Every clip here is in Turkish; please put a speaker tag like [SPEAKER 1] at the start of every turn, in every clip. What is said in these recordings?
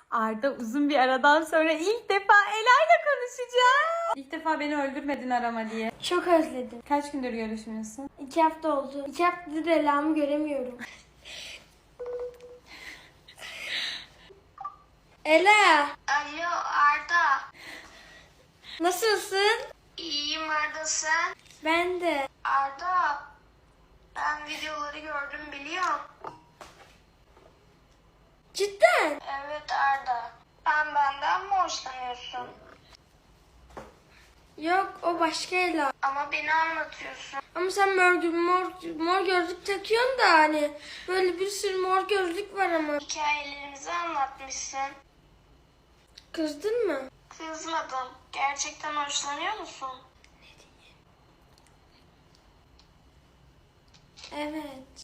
[SPEAKER 1] Arda uzun bir aradan sonra ilk defa Ela'yla konuşacak. İlk defa beni öldürmedin arama diye.
[SPEAKER 2] Çok özledim.
[SPEAKER 1] Kaç gündür görüşmüyorsun?
[SPEAKER 2] 2 hafta oldu. 2 haftadır Ela'mı göremiyorum. Ela,
[SPEAKER 3] Alo Arda.
[SPEAKER 2] nasılsın?
[SPEAKER 3] İyiyim Arda, sen?
[SPEAKER 2] Ben de.
[SPEAKER 3] Arda, ben videoları gördüm biliyorum.
[SPEAKER 2] Cidden?
[SPEAKER 3] Evet Arda. Sen benden mi hoşlanıyorsun?
[SPEAKER 2] Yok, o başka Ela.
[SPEAKER 3] Ama beni anlatıyorsun.
[SPEAKER 2] Ama sen mor gözlük takıyorsun da hani böyle bir sürü mor gözlük var ama.
[SPEAKER 3] Hikayelerimizi anlatmışsın.
[SPEAKER 2] Kızdın mı?
[SPEAKER 3] Kızmadım. Gerçekten hoşlanıyor musun?
[SPEAKER 2] Evet.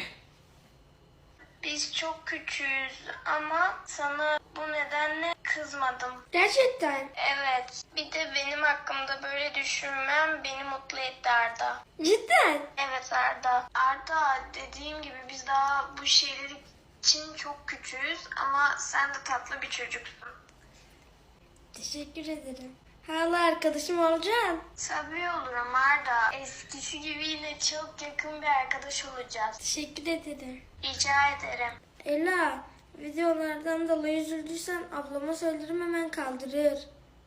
[SPEAKER 3] Biz çok küçüğüz ama sana bu nedenle kızmadım.
[SPEAKER 2] Gerçekten.
[SPEAKER 3] Evet. Bir de benim hakkımda böyle düşünmem beni mutlu etti Arda.
[SPEAKER 2] Cidden.
[SPEAKER 3] Evet Arda. Arda, dediğim gibi biz daha bu şeyler için çok küçüğüz ama sen de tatlı bir çocuksun.
[SPEAKER 2] Teşekkür ederim. Hala arkadaşım olacaksın.
[SPEAKER 3] Tabii olurum Arda. Eskisi gibi yine çok yakın bir arkadaş olacağız.
[SPEAKER 2] Teşekkür ederim.
[SPEAKER 3] Rica ederim.
[SPEAKER 2] Ela, videolardan dolayı üzüldüysen ablama söylerim, hemen kaldırır.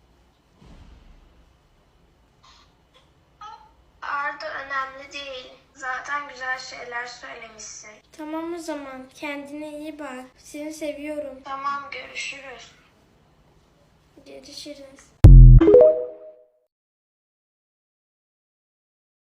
[SPEAKER 3] Arda, önemli değil. Zaten güzel şeyler söylemişsin.
[SPEAKER 2] Tamam o zaman. Kendine iyi bak. Seni seviyorum.
[SPEAKER 3] Tamam, görüşürüz.
[SPEAKER 2] Görüşürüz.